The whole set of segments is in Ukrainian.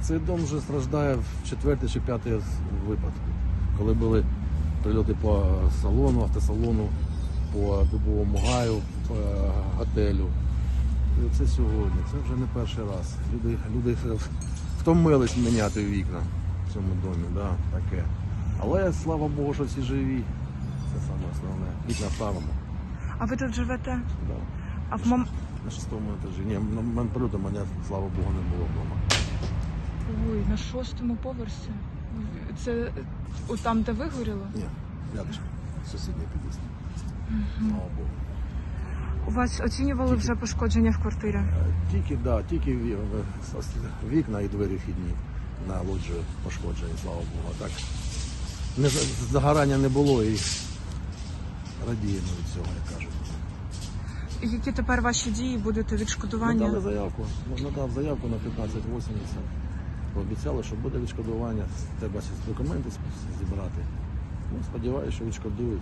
Цей дом вже страждає в 4-й чи 5-й випадку, коли були прильоти по салону, автосалону, по Дубовому гаю, по готелю. І це сьогодні, це вже не перший раз. Люди втомились міняти вікна в цьому домі, да, таке. Але слава Богу, що всі живі. Це саме основне. Вікна ставимо. А ви тут живете? Да. А в На 6-му етажі. Ні, на прильоту мене, слава Богу, не було вдома. Ой, на 6-му поверсі? Це там, де вигоріло? Ні, рядом. Сусідній під'їзд. Слава Богу. У вас оцінювали вже пошкодження в квартирі? Тільки вікна і двері вхідні на лоджію пошкоджені, слава Богу. Так, загорання не було і радіємо від цього, як кажуть. Які тепер ваші дії? Будете відшкодування? Надав заявку на 1580. Пообіцяли, що буде відшкодування. Треба документи зібрати. Ну, сподіваюся, що відшкодують.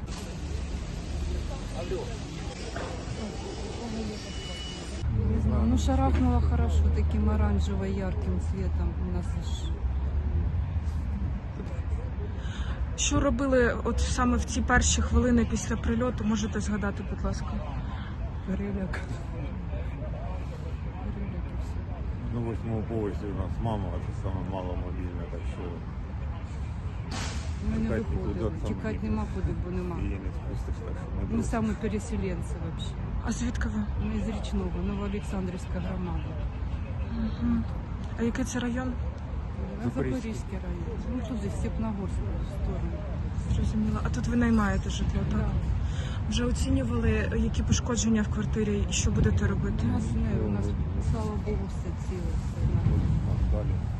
Не знаю, ну шарахнуло хорошо таким оранжево-ярким цветом. У нас аж... Що робили от саме в ці перші хвилини після прильоту? Можете згадати, будь ласка? переляк. На 8-му поверсі у нас мама, це саме маломобільна, так що Ми не Тікати виходимо, туди, тікати там нема куди, бо нема. її не спустиш, так що Ми саме переселенці взагалі. А звідки ви? Ми з Річного, Новоолександрівська громада. А який це район? Запорізький район. Ну туди, в Степногорську сторону. Зрозуміло. А тут ви наймаєте житло, так? Вже оцінювали, які пошкодження в квартирі і що будете робити? У нас, слава Богу, все ціле. Все нормально. далі.